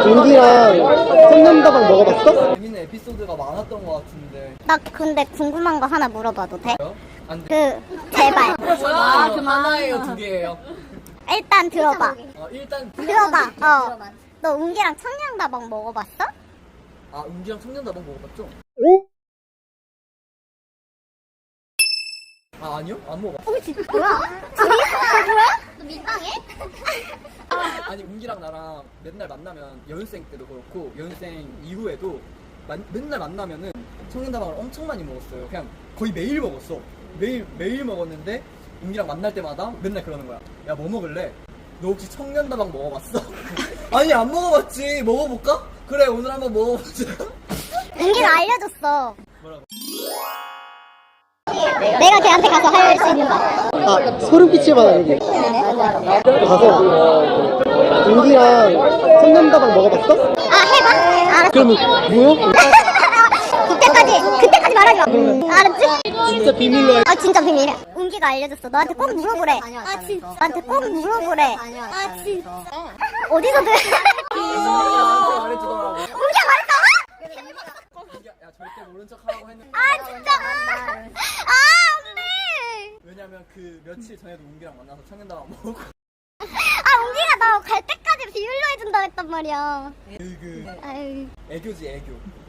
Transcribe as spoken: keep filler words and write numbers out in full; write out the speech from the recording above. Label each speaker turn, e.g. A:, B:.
A: 윤기랑 청년다방 먹어봤어?
B: 재밌는 에피소드가 많았던 것 같은데.
C: 나 근데 궁금한 거 하나 물어봐도 돼?
B: 안 돼.
C: 그 제발
B: 아, 그 하나예요, 두 개예요.
C: 일단 들어봐.
B: 어, 일단
C: 들어봐. 어. 너 웅기랑 청량다방 먹어봤어?
B: 아, 은기랑 청년다방 먹어봤죠? 아, 아니요? 안 먹어봤어.
C: 어, 진짜 뭐야? 둘이 뭐야? 너 민망해?
B: 아니, 은기랑 나랑 맨날 만나면 연습생 때도 그렇고 연습생 이후에도 만- 맨날 만나면은 청년다방을 엄청 많이 먹었어요. 그냥 거의 매일 먹었어. 매일 매일 먹었는데 은기랑 만날 때마다 맨날 그러는 거야. 야, 뭐 먹을래? 너 혹시 청년다방 먹어봤어? 아니, 안 먹어봤지. 먹어볼까? 그래, 오늘 한번 먹어보자.
C: 웅기가 알려줬어.
B: 뭐라고?
C: 내가 걔한테 가서 할 수 있는 거.
A: 아, 소름 끼칠 만한 얘기. 가서 윤기랑 청년다방 먹어봤어?
C: 아, 해봐. 알았어.
A: 그러면 뭐야?
C: 그때까지, 그때까지 말하지 마. 알았지?
A: 진짜 비밀로 해.
C: 아, 진짜 비밀이야. 웅기가 알려줬어. 너한테 꼭 물어보래. 아, 진짜. 너한테 꼭 물어보래. 아, 진짜. 어디서 들
B: 말해주더라고.
C: 웅기가 말했어?
B: 야, 절대 모른 척 하라고 했는데.
C: 아, 진짜. 아, 안 돼.
B: 왜냐면 그 며칠 전에도 웅기랑 만나서 청년다방 먹고.
C: 아, 웅기가 나 갈 때까지 비밀로 해준다 했단 말이야.
B: 그, 그
C: 아유.
B: 애교지, 애교.